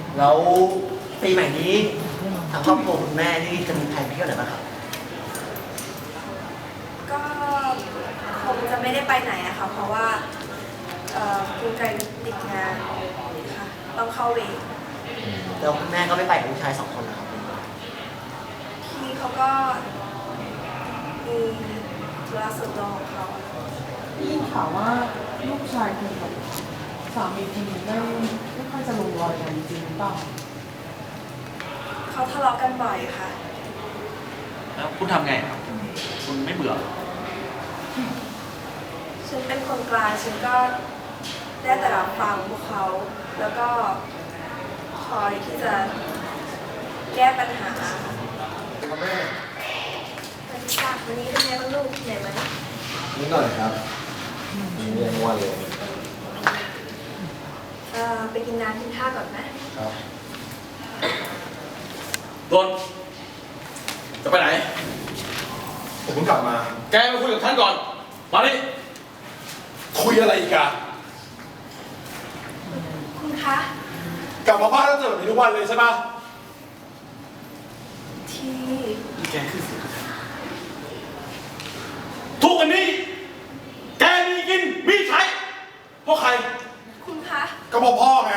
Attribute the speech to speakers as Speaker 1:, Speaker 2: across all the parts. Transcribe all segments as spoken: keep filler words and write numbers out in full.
Speaker 1: แล้วปีใหม่นี้ทางครอบครัวคุณแม่นี่จะมีแผนเที่ยวไหนบ้างครับ
Speaker 2: ก็คงจะไม่ได้ไปไหนอะค่ะเพราะว่าเอ่อคุณไกรติดงานค่ะต้องเข้าเวร
Speaker 1: แล้วคุณแม่ก็ไม่ไปกับลูกชายสองคนนะครับ
Speaker 2: พี่เขาก็มีธุระส่วนตัวของเขา
Speaker 3: ได้ยินข่าวว่าลูกชายคุณกับสามีคุณไม่ไม่ค่อยจะลงรอยกันจริงหรือเปล่า
Speaker 2: เขาทะเลาะกันบ่อยค่ะ
Speaker 4: แล้วคุณทำไงครับ คุณไม่เบื่อ
Speaker 2: ฉันเป็นคนกลางฉันก็ได้แต่รับฟังพวกเขา แล้วก็คอยที่จะแก้ปัญหา
Speaker 5: ครับแม่
Speaker 2: วันนี้ค่ะวันนี้เป็นไงบ้างลูกเหนื่อยไหม
Speaker 5: นิดหน่อยครับมีเรียนวันเลย
Speaker 2: เอ่อไปกินน้ำกินข้าวก่อนไหม
Speaker 5: ครับ
Speaker 4: โดน จะไปไหน
Speaker 5: ผมเพิ่งกลับมา
Speaker 4: แกมาคุยกับท่านก่อน มาดิ
Speaker 5: คุยอะไรอีกอะ
Speaker 2: คุณคะ
Speaker 5: กลับมาบ้านแล้วเจอแบบนี้ทุกวันเลยใช่ปะ
Speaker 2: ที่
Speaker 4: แกคือสิทุกวันนี้ แกมีกิน มีใช้ เพราะใคร
Speaker 2: คุณคะ
Speaker 5: ก็เพราะพ่อไง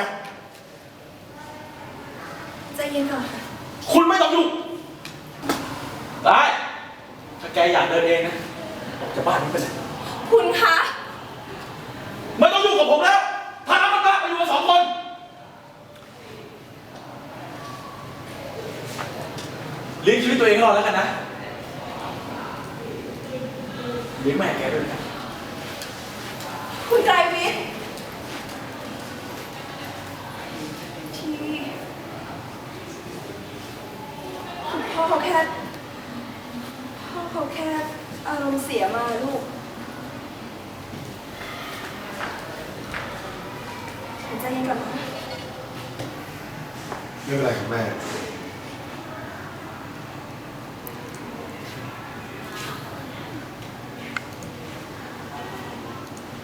Speaker 2: ใจเย็นก่อนค่ะ
Speaker 4: คุณไม่ต้องยุ่งได้ ถ้าแกอยากเดินเองนะออกจากบ้านนี้ไปเลย
Speaker 2: คุณคะ
Speaker 4: ไม่ต้องยุ่งกับผมแล้ว ถ้าน้ำมันรักไปอยู่กันสองคน เลี้ยงชีวิตตัวเองให้รอดแล้วกันนะ เลี้ยงแม่แกด้วยนะ
Speaker 2: คุณไกรวิทย์ที่คุณพ่อเขาแค่พ่อเขาแค่อารมณ์เสียมาลูกใจเย็นก่อนนะ
Speaker 5: ไม่เป็นไรครับแม่